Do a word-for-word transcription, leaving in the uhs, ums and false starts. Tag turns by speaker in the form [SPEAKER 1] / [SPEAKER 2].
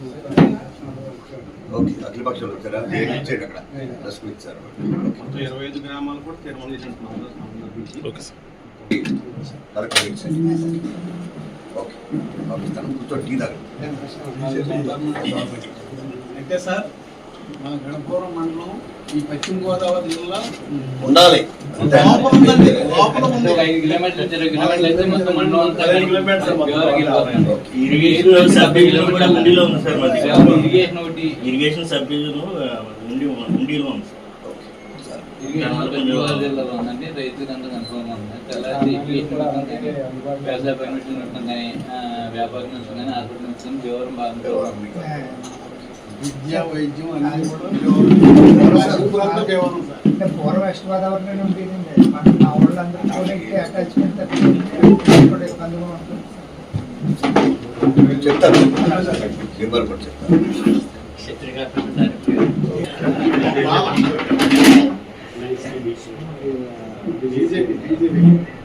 [SPEAKER 1] Okay, అఖిల పక్షాలు వచ్చారా? Date ఇచ్చాడు అక్కడ, ప్రెస్ మీట్ ఇచ్చారు.
[SPEAKER 2] మొత్తం ఇరవై ఐదు గ్రామాలు కూడా తీర్మానం చేసినట్టున్నారు. Okay sir,
[SPEAKER 1] correct right sir. Okay, పంపిస్తాను. కూర్చో, టీ తాగండి.
[SPEAKER 2] అయితే సార్, మన గణపురం మండలం ఈ పశ్చిమ గోదావరి జిల్లా
[SPEAKER 1] ఉండాలి.
[SPEAKER 2] లోపల ఉందండి, లోపల ఉంది.
[SPEAKER 3] ఐదు కిలోమీటర్లు ఇరవై కిలోమీటర్లు అయితే మొత్తం మండలం అంతా
[SPEAKER 2] ఐదు కిలోమీటర్లు
[SPEAKER 4] ఇరిగేషన్ సబ్ డివిజన్ కూడా ఉండిలో ఉంది సార్. మాది
[SPEAKER 3] ఇరిగేషన్ ఒకటి,
[SPEAKER 4] ఇరిగేషన్ సబ్ డివిజన్ ఉండి ఉండిలో ఉంది సార్.
[SPEAKER 3] ఇరిగేషన్ పశ్చిమ గోదావరి జిల్లాలో ఉందండి. రైతులకు అంతా కన్ఫర్మ్ ఉంది. తెల్లారి ఇరిగేషన్ మొత్తం కానీ వ్యవసాయ పర్మిషన్ మొత్తం కానీ వ్యాపారం మొత్తం కానీ హాస్పిటల్ మొత్తం వివరం బాగా
[SPEAKER 2] విద్య వైద్యం అన్నీ కూడా కేవలం సార్.
[SPEAKER 5] అంటే పూర్వ వెస్ట్ గోదావరిలోనే ఉంటుందండి. మన మా వాళ్ళందరూ కూడా ఇక్కడ అటాచ్మెంట్ కూడా ఇబ్బందిగా ఉంటుంది.
[SPEAKER 1] చెప్తాను, మెంబర్ కూడా చెప్తాను.
[SPEAKER 2] BJP BJP